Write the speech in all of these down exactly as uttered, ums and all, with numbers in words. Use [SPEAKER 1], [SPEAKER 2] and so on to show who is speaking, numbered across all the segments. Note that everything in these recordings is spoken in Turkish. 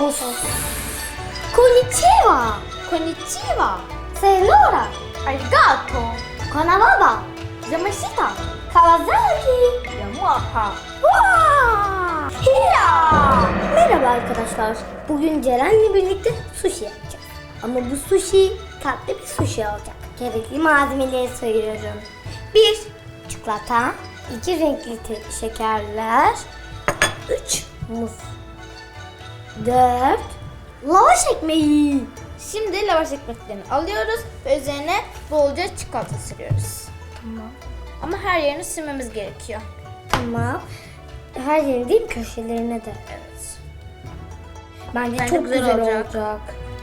[SPEAKER 1] Konnichiwa.
[SPEAKER 2] Konnichiwa.
[SPEAKER 1] Sayonara.
[SPEAKER 2] Arigato.
[SPEAKER 1] Konnichiwa.
[SPEAKER 2] Yamashita.
[SPEAKER 1] Kawasaki.
[SPEAKER 2] Yamaha.
[SPEAKER 1] Vaa! Hiya! Merhaba arkadaşlar. Bugün Ceren'le birlikte sushi yapacağız. Ama bu sushi tatlı bir sushi olacak. Gerekli malzemeleri sayıyorum. bir Çikolata. iki renkli te- şekerler. üç Muz. dört Lavaş ekmeği.
[SPEAKER 2] Şimdi lavaş ekmeklerini alıyoruz ve üzerine bolca çikolata sürüyoruz.
[SPEAKER 1] Tamam.
[SPEAKER 2] Ama her yerini sürmemiz gerekiyor.
[SPEAKER 1] Tamam. Her yerin değil, köşelerine de.
[SPEAKER 2] Evet.
[SPEAKER 1] Bence,
[SPEAKER 2] Bence
[SPEAKER 1] çok
[SPEAKER 2] güzel
[SPEAKER 1] güzel,
[SPEAKER 2] olacak.
[SPEAKER 1] olacak.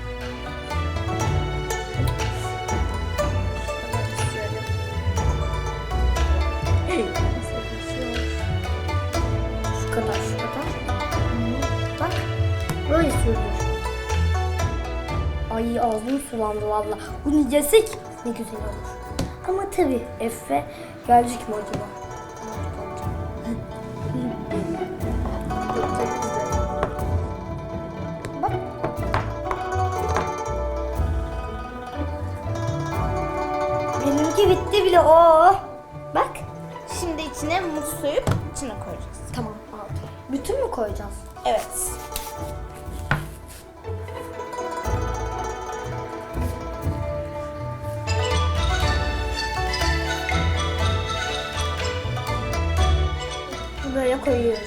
[SPEAKER 1] Şu kadar, şu kadar. Bak, böyle sürülür. Ay ağzım sulandı valla. Bunu yesek ne güzel olur. Ama tabii Efe gelecek mi acaba? Bak. Benimki bitti bile o. Bak.
[SPEAKER 2] Şimdi içine muz soyup içine koyacağız.
[SPEAKER 1] Tamam aldım. Bütün mü koyacağız?
[SPEAKER 2] Evet.
[SPEAKER 1] Böyle koyuyoruz.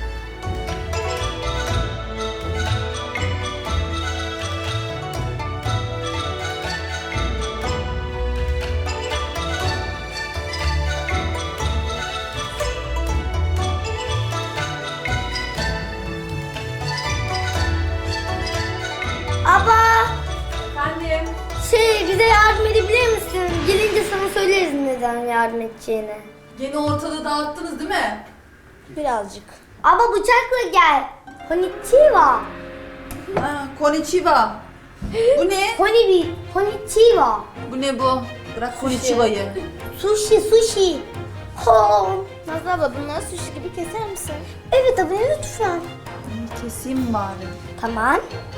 [SPEAKER 1] Abla,
[SPEAKER 3] Efendim?
[SPEAKER 1] şey bize yardım edebilir misin? Gelince sana söyleriz neden yardım edeceğini.
[SPEAKER 3] Gene ortalığı dağıttınız değil mi?
[SPEAKER 2] Birazcık.
[SPEAKER 1] Abla bıçakla gel. Konnichiwa.
[SPEAKER 3] Ha, konnichiwa. Bu ne?
[SPEAKER 1] Honibi, konnichiwa.
[SPEAKER 3] Bu ne bu? Bırak konnichiwa'yı.
[SPEAKER 1] Sushi, sushi. Ho.
[SPEAKER 2] Nazlı abla bunları sushi gibi keser misin?
[SPEAKER 1] Evet abla lütfen.
[SPEAKER 3] İyi, keseyim bari.
[SPEAKER 1] Tamam.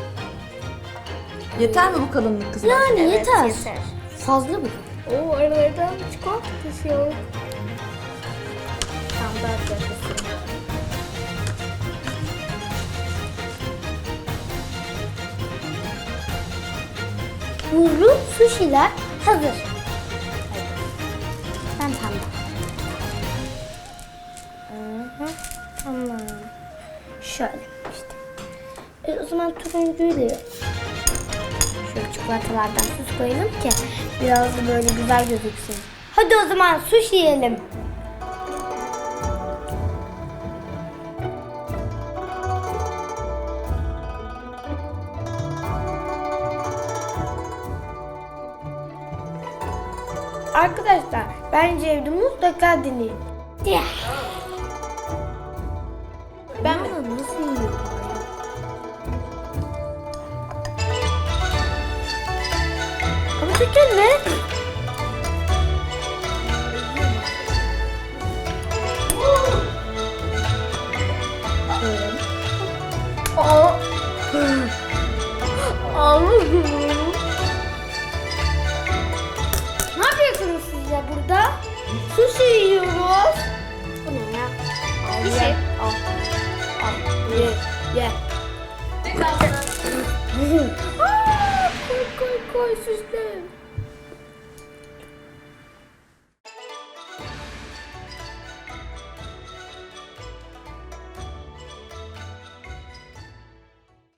[SPEAKER 3] Yeter mi bu kalınlık kızım?
[SPEAKER 1] Yani
[SPEAKER 2] Evet,
[SPEAKER 1] yeter.
[SPEAKER 2] yeter.
[SPEAKER 1] Fazla mı?
[SPEAKER 2] Oo aralardan çikolata düşüyor. Tam da arkadaşlar.
[SPEAKER 1] Buzlu sushiler hazır. Ben tamam. Hı hı, tamam. Şöyle işte. E, o zaman turuncuyla şöyle çikolatalardan süs koyalım ki biraz da böyle güzel gözüksün. Hadi o zaman sushi yiyelim. Arkadaşlar bence evde mutlaka deneyin.
[SPEAKER 2] Ben mi?
[SPEAKER 1] Ama nasıl yiyor? Ama tekrar ne? Aa. Allah'ım. Ne yapıyorsunuz siz ya burada? Sushi yiyoruz. Bu ne ya? Al,
[SPEAKER 2] Bir
[SPEAKER 1] ye.
[SPEAKER 2] şey.
[SPEAKER 1] Al. Al. Ye. Ye.
[SPEAKER 3] Ne kaldı?
[SPEAKER 1] Aa, koy koy koy süsle.